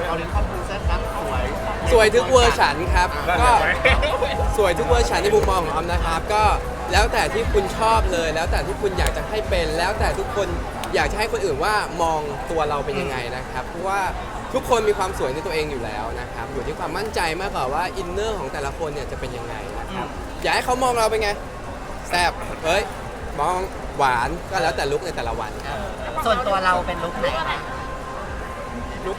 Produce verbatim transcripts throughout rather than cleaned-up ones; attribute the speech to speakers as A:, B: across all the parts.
A: เราเรียนข้อมูลเส้นรับสวย
B: สวยทุกเวอร์ชันครับก็สวยทุกเวอร์ชันในมุมมองของออมนะครับก็แล้วแต่ที่คุณชอบเลยแล้วแต่ที่คุณอยากจะให้เป็นแล้วแต่ทุกคนอยากจะให้คนอื่นว่ามองตัวเราเป็นยังไงนะครับเพราะว่าทุกคนมีความสวยในตัวเองอยู่แล้วนะครับอยู่ที่ความมั่นใจมากกว่าว่าอินเนอร์ของแต่ละคนเนี่ยจะเป็นยังไงนะครับอยากให้เขามองเราเป็นไงแซ่บเฮ้ยมองหวานก็แล้วแต่ลุคในแต่ละวัน
C: ส่วนตัวเราเป็นลุคไหนคะ
B: ลุค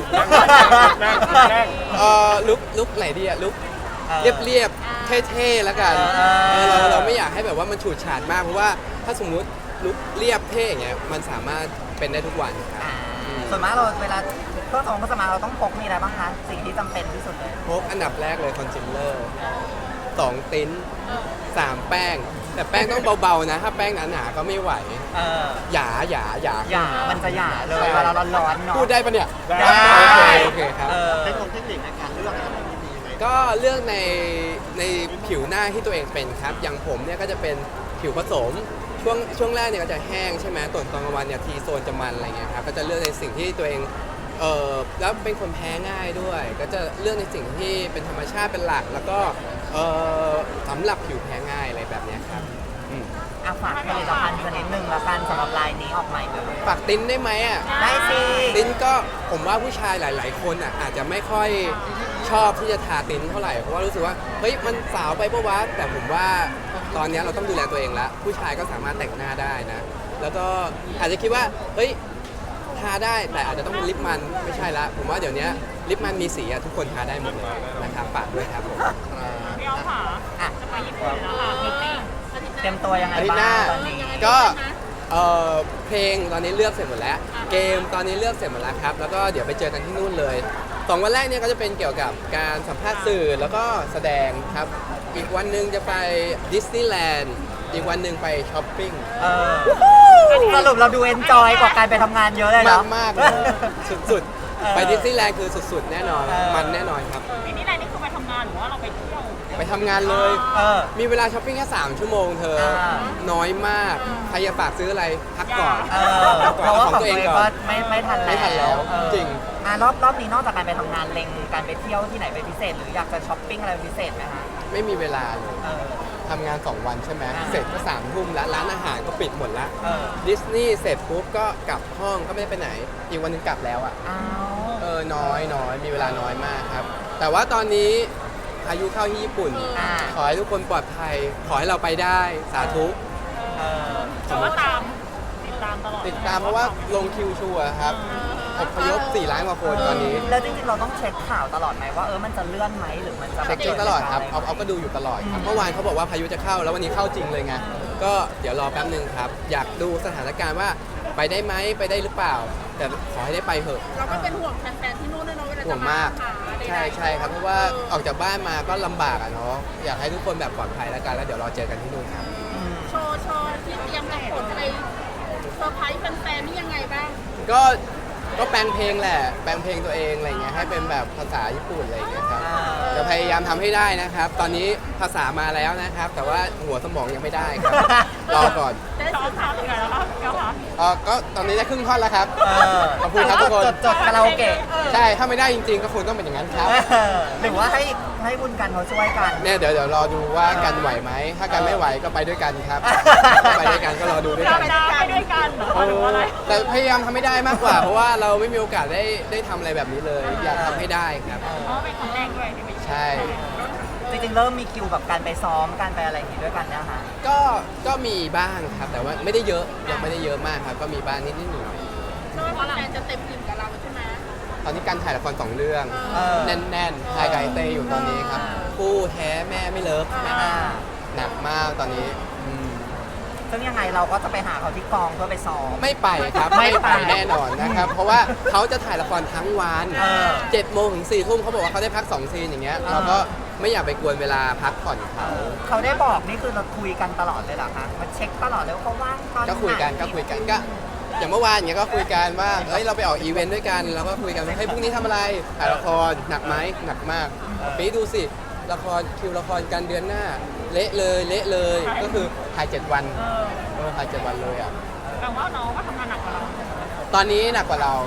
B: เอ่อลุคลุคไหนดีอะลุคเรียบเรียบๆเท่ๆแล้วกันเออเราเราไม่อยากให้แบบว่ามันฉูดฉาดมากเพราะว่าถ้าสมมุติลุคเรียบเท่อย่างเงี้ยมันสามารถเป็นได้ทุกวันครับ
C: อ่าส่วนมากเราเวลาเครื่องสำอางเครื่องสำอางเราต้องพกมีอะไรบ้างคะสิ่งที่จำเป็นที่สุดเลย
B: พกอันดับแรกเลยคอนซีลเลอร์สองติ้นสามแป้งแต่แป้งต้องเบาๆนะถ้าแป้งหนาๆก็ไม่ไหว
C: เออ
B: หยาหยาหยา
C: หย่ามันจะหย่าเลยเวลาร้อนๆเนาะ
B: พูดได้ปะเนี่ย
C: ได้
B: โอเคโอเคครับ
C: เออ
A: เทคนิคเทคนิคในการเลือกนะครับมันมียังไง
B: ก็เลือกในในผิวหน้าที่ตัวเองเป็นครับ อย่างผมเนี่ยก็จะเป็นผิวผสม ช่วงช่วงแรกเนี่ยก็จะแห้งใช่ไหมตอนตอนกลางวันเนี่ยทีโซนจะมันอะไรเงี้ยครับ ก็จะเลือกในสิ่งที่ตัวเอง เออแล้วเป็นคนแพ้ง่ายด้วย ก็จะเลือกในสิ่งที่เป็นธรรมชาติเป็นหลัก แล้วก็เออสำหรับผิวแพ้ง่ายอะไรแบบเนี้ยครับอืม
C: อ่ะฝากผลิตภัณฑ์ชนิดหนึ่งละกันสำหรับลายนี้ออกใหม่เลย
B: ฝากติ้นได้ไหมอ่ะ
C: ได้สิ
B: ติ้นก็ผมว่าผู้ชายหลาย ๆ คนอ่ะอาจจะไม่ค่อยชอบที่จะทาติ้นเท่าไหร่เพราะว่ารู้สึกว่าเฮ้ยมันสาวไปปะวะแต่ผมว่าตอนนี้เราต้องดูแลตัวเองแล้วผู้ชายก็สามารถแต่งหน้าได้นะ แล้วก็อาจจะคิดว่าเฮ้ยทาได้แต่อาจจะต้องเป็นลิปมันไม่ใช่ละผมว่าเดี๋ยวนี้ลิปมันมีสีอะทุกคนทาได้หมดเลยนะครับฝากด้วยครับผม
D: พี่อ้อมค่ะ
C: อ่ะ
D: จะไปญี่ปุ่นแล้วค่ะมิตติ้ง
C: เตรียมตัวยังไง
B: อาทิตย์ห
C: บ้า
B: น้าง
C: ตอนนี้
B: ก็เอ่อเพลงตอนนี้เลือกเสร็จหมดแล้ว เกมตอนนี้เลือกเสร็จหมดแล้วครับแล้วก็เดี๋ยวไปเจอกันที่นู่นเลยสองวันแรกเนี่ยก็จะเป็นเกี่ยวกับการสัมภาษณ์สื่อแล้วก็แสดงครับอีกวันหนึ่งจะไปดิสนีย์แลนด์อีกวันหนึ่งไปช้อปปิ้ง
C: เออสรุปเราดูเอนจอยกว่าการไปทำงานเยอะเลย
B: มา
C: เนาะ
B: กมากเลยสุด
C: เออ
B: ๆ ไปดิสนีย์แลนด์คือสุดๆ แน่นอน
C: เออ
B: มันแน่นอนครับ
D: มินี่ไรนี่คือไปทำงานหรือว่าเราไปเที่ยว
B: ไปทำงานเลย
C: เออ
B: มีเวลาช้อปปิ้งแค่สามชั่วโมงเธอ
C: อ่า
B: น้อยมาก ใครจะฝากซื้ออะไรพักก่อน
C: เออ
B: พัก
C: เพ
B: ก่อน
C: ราะว่า
B: เอาข
C: ข
B: อ
C: อง ง
B: ตั
C: ตัว ว
B: เอ
C: เอง ง
B: ก่อ
C: ก็
B: น
C: ไม่ไม่ทันแล้ว
B: ไม่ทันแล้ว
C: เออ
B: จริง
C: อ่ะรอบรอบนี้นอกจากการไปทำงานเล็งการไปเที่ยวที่ไหนเป็นพิเศษ หรืออยากจะช้อปปิ้งอะไรเป็นพิเศษไหมคะ
B: ไม่มีเวลาเลย
C: เออ
B: ทำงาน สอง วันใช่ไหม
C: อ่า
B: เสร็จก็สามทุ่มแล้วร้านอาหารก็ปิดหมดแล้ว
C: เออ
B: ดิสนีย์เสร็จปุ๊บก็กลับห้องก็ไม่ได้ไปไหน อีกวันหนึงกลับแล้วอ่ะ
C: อ้าว
B: เออ น้อยน้อยมีเวลาน้อยมากครับ แต่ว่าตอนนี้พายุเข้าที่ญี่ปุ่น
C: อ่า
B: ขอให้ทุกคนปลอดภัย ขอให้เราไปได้ สาธุ
C: เออ
D: แต่ว่าตามติดตามตลอด
B: ติดตามเพราะว่าลงคิวชัวร์ครับอพยพสี่ล้านกว่าคนตอนนี้
C: แล้วจริงๆเราต้องเช็คข่าวตลอดไหมว่าเออมันจะเลื่อนไหมหรือมันจะ
B: เช็คเช็คตลอดครับ เอาเอาก็ดูอยู่ตลอดครับ เมื่อวานเขาบอกว่าพายุจะเข้า แล้ววันนี้เข้าจริงเลยไง ก็เดี๋ยวรอแป๊บนึงครับ อยากดูสถานการณ์ว่าไปได้ไหมไปได้หรือเปล่า แต่ขอให้ได้ไปเถอะ
D: เราก็เป็นห่วงแฟนๆที่นู่นด้วยเนาะเวลา
B: ห่ว
D: จะ
B: ง
D: มาม
B: าก
D: หาใดๆ
B: ใช่ใช่ครับ เพราะว่าออกจากบ้านมาก็ลำบากอะเนาะ อยากให้ทุกคนแบบปลอดภัยแล้วกัน แล้วเดี๋ยวรอเจอกันที่นู่นครับ
C: อืม
D: โชว์โชว์ที่เตรียมกับผลอะไรเซอร์ไพรส์แฟนๆนี่ยังไงบ้าง
B: ก็ก็แปลงเพลงแหละ แปลงเพลงตัวเองอะไรเงี้ย ให้เป็นแบบภาษาญี่ปุ่นอะไรเงี้ยครับ
C: อ่า
B: จะพยายามทำให้ได้นะครับ ตอนนี้ภาษามาแล้วนะครับ แต่ว่าหัวสมองยังไม่ได้ครับ รอก่อน
D: ได้ซ้อมทำยังไงแล้วคะเก้าคะ
B: เออก็ตอนนี้ได้ครึ่งท่อนแล้วครับ
C: เออ
B: ขอบคุณครับทุกคน
C: จดจดคาราโอเกะ
B: ใช่ ถ้าไม่ได้จริงๆ ก็คงต้องเป็นอย่างนั้นครับ
C: เออหรือว่าให้ให้บุญกันเขาช่วยกัน
B: เนี่ยเดี๋ยวเดี๋ยวรอดูว่ากันไหวไหม ถ้ากันไม่ไหวก็ไปด้วยกันครับ ไปด้วยกันก็รอดูด้วย
D: เรา
B: กัน
D: ไปด้วยกันเหรอหรือว่าอะไร
B: แต่พยายามทำให้ได้มากกว่า เพราะว่าเราไม่มีโอกาสได้ได้ทำอะไรแบบนี้เลย อยากทำให้ได้ครับ
D: เพราะว่าเป็นครั้งแรกด้วยที่ไป
B: ใช่
C: จริงๆเริ่มมีคิวแบบการไปซ้อมการไปอะไรอย่างงี้ด้วยกันนะคะ
B: ก็ ก็มีบ้างครับ แต่ว่าไม่ได้เยอะ ยังไม่ได้เยอะมากครับ ก็มีบ้างนิดนิดหน่อย
D: เชื่อว่าแฟนจะเต็มอิ่มกับเราใช่ไหม
B: ตอนนี้การถ่ายละครสองเรื่อง
C: เออ
B: แน่นๆถ่ายไก่เตยอยู่ตอนนี้ครับ คู่แท้แม่ไม่เลิฟ
C: อ่า
B: หนักมากตอนนี้อืม
C: ซึ่งยังไงเราก็จะไปหาเขาที่กองเพื่อไปซ้อม
B: ไม่ไปครับ
C: ไม่
B: ไม่
C: ไป
B: ไปแน่นอนนะครับ เพราะว่าเขาจะถ่ายละครทั้งวัน
C: เออ
B: เจ็ดโมงถึงสี่ทุ่มเขาบอกว่าเขาได้พักสองซีนอย่างเงี้ย
C: อ่า
B: เราก็ไม่อยากไปกวนเวลาพักผ่อนเขา
C: เขาได้บอกนี่คือเราคุยกันตลอดเลยเหรอคะมาเช็คตลอดเลยว่าเขาว่างตอนไหน
B: ก็คุยกันก็คุยกันก็อย่างเมื่อวานอย่างเงี้ยก็คุยกันว่าเอ้ยเราไปออกอีเวนต์ด้วยกันเราก็คุยกันว่าเฮ้ยพรุ่งนี้ทำอะไรถ่ายละครหนักไหมหนักมากปีดูสิละครคิวละครกันเดือนหน้า เละเลยเละเลยก็คือถ่ายเจ็ดวัน
D: เออ
B: เออถ่ายเจ็ดวันเลยอ่ะ
D: แปลว่าน้องก็ทำงานหนักกว่าเรา
B: ตอนนี้หนักกว่าเรา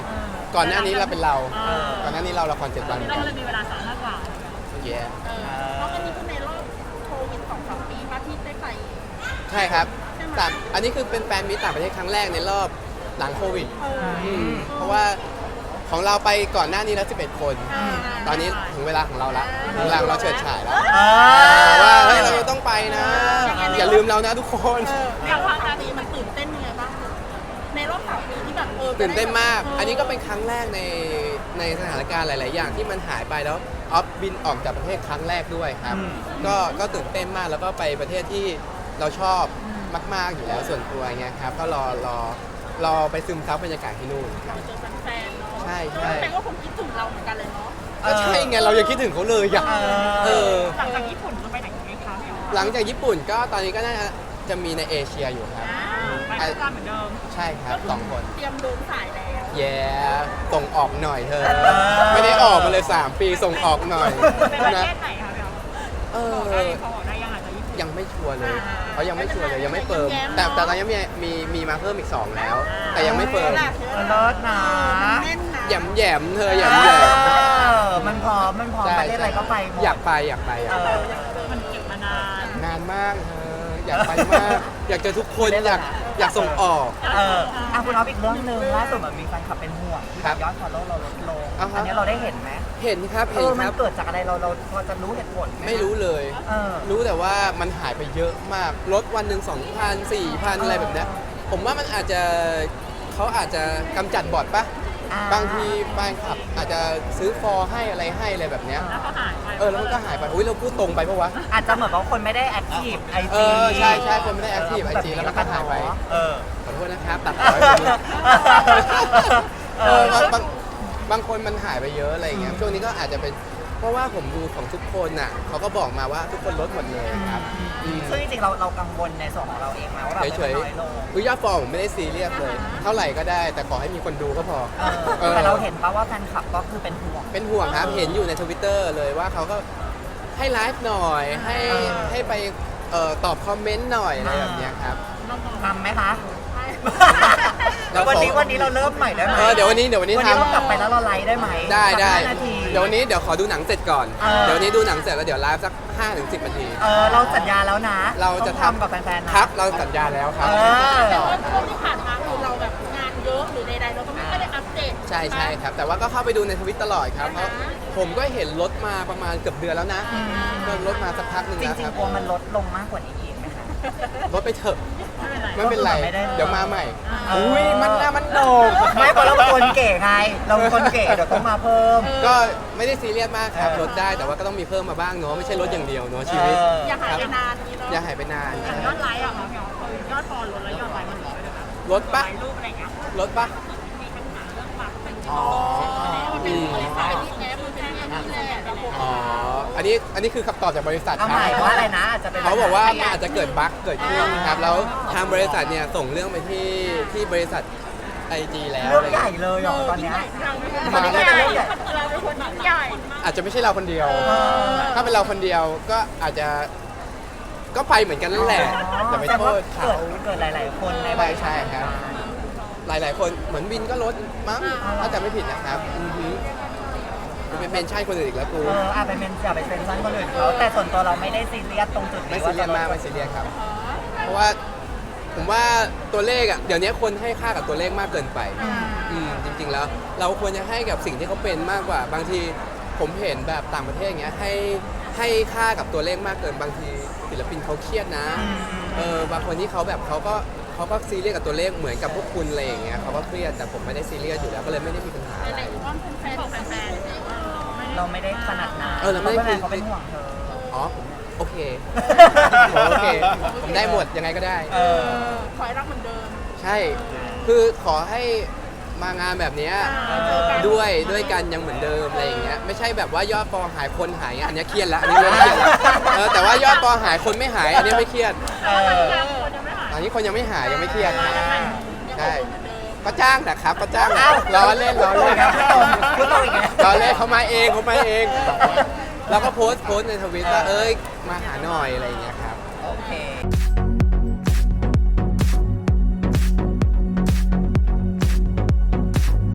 B: ก่อนหน้านี้เราเป็นเราก่อนหน้านี้เราละครเจ็ดวันเหมือน
D: เรา
B: กัน
D: เลยมีเวลาซ้อมมากกว่า
B: แย่
D: เออเพราะอันนี้คือในรอบโควิดสองสามปีมาที่ได้ไป
B: ใช่ครับแต่อันนี้คือเป็นแฟนมิตรต่างประเทศครั้งแรกในรอบหลังโควิด
D: เออ
B: อืมเพราะว่าของเราไปก่อนหน้านี้แล้วสิบเอ็ดคน
D: อ่า
B: ตอนนี้ถึงเวลาของเราละถึงเวลาของเราเฉิดฉายแล้ว
C: เออ
B: ว่าเฮ้ยเราต้องไปนะ อย่าลืมเรานะทุกคน
D: อย่างครั้งนี้มันตื่นเต้นยังไงบ้างในรอบสามปีที่แบบเออ
B: ตื่นเต้นมาก อันนี้ก็เป็นครั้งแรกในในสถานการณ์หลาย ๆ อย่างที่มันหายไปแล้วออฟบินออกจากประเทศครั้งแรกด้วยครับ
C: อืม
B: ก็ก็ตื่นเต้นมากแล้วก็ไปประเทศที่เราชอบมาก ๆ อยู่แล้วส่วนตัวเงี้ยครับ ก็รอรอรอไปซึมซับบรรยากาศที่นู่นครับ
D: เจอแฟนๆเนาะ
B: ใช่ใช่
D: แฟนก็คงคิดถึงเราเหมือนกันเลยเนาะ
B: ก็ใช่ไงเรายังคิดถึงเขาเลยอยาก
C: เออ
B: เออ
D: หลังจากญี่ปุ่นจะไปไหนอีกไหมคะพี่อ๋อ
B: หลังจากญี่ปุ่นก็ตอนนี้ก็น่าจะมีในเอเชียอยู่ครับ
D: ไปด้วยกันเหมือนเดิม
B: ใช่ครับสองคน
D: เตรียมเดินสายแล้ว
B: แย่ส่งออกหน่อยเธอ
C: เออ
B: ไม่ได้ออกมาเลย สาม ปีส่งออกหน่อย
D: ไปประ
B: นะ
D: เทศไหนคะพี่อ๋อ
B: เอ
D: บอกได้
B: อ
D: เขาบอกได้ยังอาจจะญี่ปุ่น
B: ยังไม่ชัวร์เลย
D: อ่า
B: เขายังไม่ชัวร์เลยยังไม่เฟิร์ม
D: แย้มๆ
B: แต่
D: เนอะ
B: แต่ตอนนี้มีมีมีมาเพิ่มอีกสองแล้ว แต่ยังไม่เฟิร์ม
C: เลิศนะ
D: แน่นนะ
B: แหยมแหยมๆเธอแหยมแหยม
C: เออมันพร้อมมันพร้อมประเทศอะไรก็ไปหมด
B: อยากไปอยากไปอยากไป
C: เออ
D: มันเก็บมานาน
B: นานมากเธออยากไปมาก อยากเจอทุกคนอยากอยากส่งออก
C: เอออ่ะคุณเอาอีกเรื่องหนึ่งล่าสุดเหมือนมีแฟนคลับเป็นห่วงที่
B: ครับ
C: ยอดฟอลโล่เราลดลง
B: อ่าฮะ
C: อันนี้เราได้เห็นไหม
B: เห็นครับ
C: เอ
B: เห็น
C: อ
B: ค
C: มัน
B: รับ
C: เกิดจากอะไรเราเราพอจะรู้เหตุผลห
B: ไม่รู้เลย
C: เออ
B: รู้แต่ว่ามันหายไปเยอะมากลดวันหนึ่งสองพันสี่พันอะไรแบบเนี้ยผมว่ามันอาจจะเขาอาจจะกำจัดบอทปะ
C: อ่า
B: บางทีแฟนคลับอาจจะซื้อฟอร์ให้อะไรให้อะไรแบบเนี้ย
D: แล้วก็หายไป
B: เออแล้วมันก็หายไปอุ้ยเราพูดตรงไปปะวะ
C: อาจจะเหมือนว่าคนไม่ได้แอคทีฟไอ
B: เอ
C: จี
B: อใช่ใช่คนไม่ได้ active ไอจีแล้วมันก็หายไป
C: เออ
B: ขอโทษนะครับตัดต่อให้ผมด้วยเออบางบางบางคนมันหายไปเยอะอะไรอย่างเงี้ยช่วงนี้ก็อาจจะเป็นเพราะว่าผมดูของทุกคนน่ะเขาก็บอกมาว่าทุกคนลดหมดเลยครับอืม
C: ซึ่งจริงๆเราเรากังวลในส่วนของเราเองไหมว่าแบบ
B: เฉย
C: มันน้อยลง
B: ๆคือยอดฟอลผมไม่ได้ซีเรียสเลย เท่าไหร่ก็ได้ แต่ขอให้มีคนดูก็พอ
C: เออ
B: เออ
C: แต่เราเห็นปะว่าแฟนคลับก็คือเป็นห่วง
B: เป็นห่วงครับ เห็นอยู่ในทวิตเตอร์เลยว่าเขาก็ให้ไลฟ์หน่อย ให้
C: เออ
B: ให้ไปเอ่อตอบคอมเมนต์หน่อยอะไรแบบเนี้ยครับ
C: ทำไหมคะ
B: เราขอ
C: วันนี้วันนี้เราเริ่มใหม่ได้ไหม
B: เออเดี๋ยววันนี้เดี๋ยววันนี้
C: วันนี้
B: ทำ
C: เรากลับไปแล้วเราไลฟ์ได้ไหม
B: ได้ได้
C: สักห้านาที
B: เดี๋ยววันนี้เดี๋ยวขอดูหนังเสร็จก่อน
C: เออ
B: เดี๋ยววันนี้ดูหนังเสร็จแล้วเดี๋ยวไลฟ์สักห้าถึงสิบนาที
C: เออเราสัญญาแล้วนะ
B: เราจะ
C: ต้อง
B: ทำ
C: ทำกับแฟนๆนะครับ
B: เราสัญญาแล้วครับ
C: เออ
D: แต่ว่าช่วงที่ผ่านมาคือเราแบบงานเยอะหรือใดๆเราก็ไม่ได้อัปเดต
B: ใช่ใช่ครับ แต่ว่าก็เข้าไปดูในทวิตตลอดครับ เพราะผมก็เห็นลดมาประมาณเกือบเดือนแล้วนะก็ลดมาสักพักหนึ่ง
C: จ
B: แล้ว
C: ริ
B: ค
C: ง
B: รับ
C: ๆกลัวมันลดลงมากกว่านี้อีกไหมคะ
B: ลดไปเถอะ
D: ไม่เป็นไร
B: ไม่เป็นไร
C: ไม่ได้
B: เดี๋ยวมาใหม่
C: เอออุ้
B: อุ้ยมันหน้ามันโหนก
C: ไม่เพราะเราเป็นคนเก๋ไง เราเป็นคนเก๋เดี๋ยวต้องมาเพิ่ม
B: ก็ไม่ได้ซีเรียสมากครับ
C: เออ
B: ลดได้แต่ว่าก็ต้องมีเพิ่มมาบ้างเนาะไม่ใช่ลดอย่างเดียวเนาะชีวิต
C: เออ
D: อย่าหายไปนานนี้เนาะ
B: อย่าหายไปนาน
D: อย่างยอดไลค์อะค่ะพี่อ๋อคือยอดฟอลลดแล้วยอดไลค์มันลดด้วยนะคะ
B: ลดปะ
D: ถ่ายรูปอะไรอย่างเงี้ย
B: ลดปะ
D: มีปัญหาเรื่องปากเป็น
B: อ๋อ
D: มันเป็นบริษัทที่แอปมันเป็นอย่างนี้แหละระบบ
B: อ๋ออันนี้อันนี้คือคำตอบจากบริษัท
C: เอา
B: ค
C: ให
B: รั
C: ม่
B: บ
C: ว่าอะไรนะอาจจะเป็น
B: เขาบอกว่ามันอาจจะเกิดบั๊กเกิดขึ้นครับแล้วทางบริษัทเนี่ยส่งเรื่องไปที่ที่บริษัทไอจีแล้ว
C: เรื่องใหญ่เลยเหรอตอนเนี้ย
D: เราไม่ใช่เราเราเป็นคนใหญ่
B: อาจจะไม่ใช่เราคนเดียว
C: เออ
B: ถ้าเป็นเราคนเดียวก็อาจจะก็ไปเหมือนกันนั่นแหละอย่าไป
C: แต่
B: โท
C: ว่า
B: ษเขา
C: เกิดเกิดหลาย ๆ คนในบริษัท
B: ใช่ครับ หลาย ๆ คนเหมือนวินก็ลดมั้งถ้าจะไม่ผิดนะครับอือฮึเป็นเมนชั่นคนอื่นอีกแล้วกู
C: เอออาไปเป็นอย่าไปเป็นสั้นคนอื่นเขาแต่ส่วนตัวเราไม่ได้ซีเรียสตรงจุดนี้
B: ไม่ซีเรียสมากไม่ซีเรียสครับ เพราะว่าผมว่าตัวเลขอ่ะเดี๋ยวนี้คนให้ค่ากับตัวเลขมากเกินไปอืมจริง ๆ แล้ว เราควรจะให้กับสิ่งที่เขาเป็นมากกว่า บางทีผมเห็นแบบต่างประเทศอย่างเงี้ยให้ให้ค่ากับตัวเลขมากเกินบางทีศิลปินเขาเครียดนะเออบางคนที่เขาแบบเขาก็เขาก็ซีเรียสกับตัวเลขเหมือนกับพวกคุณอะไรอย่างเงี้ยเขาก็เครียดแต่ผมไม่ได้ซีเรียสอยู่แล้วก็เลยไม่ได้มีปัญหาอะไร
D: ไหนๆว่าเป็นแฟนของแฟนๆ
C: เราไม่ได้ขนาดนั้น
B: เออเราไม่ได้
C: พะเขาเป็นห่วงเธอ
B: อ๋อผมโอเคผมโอเค ผมได้หมดยังไงก็ได้
C: เออ
D: ขอให้รักเหมือนเดิม
B: ใช่ คือขอให้มางานแบบเนี้ย
D: เจอกัน
B: ด้วยด้วยกันยังเหมือนเดิมอะไรอย่างเงี้ย ไม่ใช่แบบว่ายอดฟอลหายคนหายอันเนี้ยเครียดแล้ว อันนี้เริ่มเครียดแล้วเออแต่ว่ายอดฟอลหายคนไม่หาย อันเนี้ยไม่เครียด
C: เออ
B: อันนี้คนยังไม่หายยังไม่เครียดครับใช่ ก็จ้างนะครับ ก็จ้างล้อเล่นล้อเล่น
C: พูดตรงพูดตรงอีกแล้ว
B: ล้อเล่นเขามาเองเขามาเอง แล้วก็โพสต์โพสต์ในทวิตว่าเอ้ยมาหาหน่อยอะไรอย่างเงี้ยครับ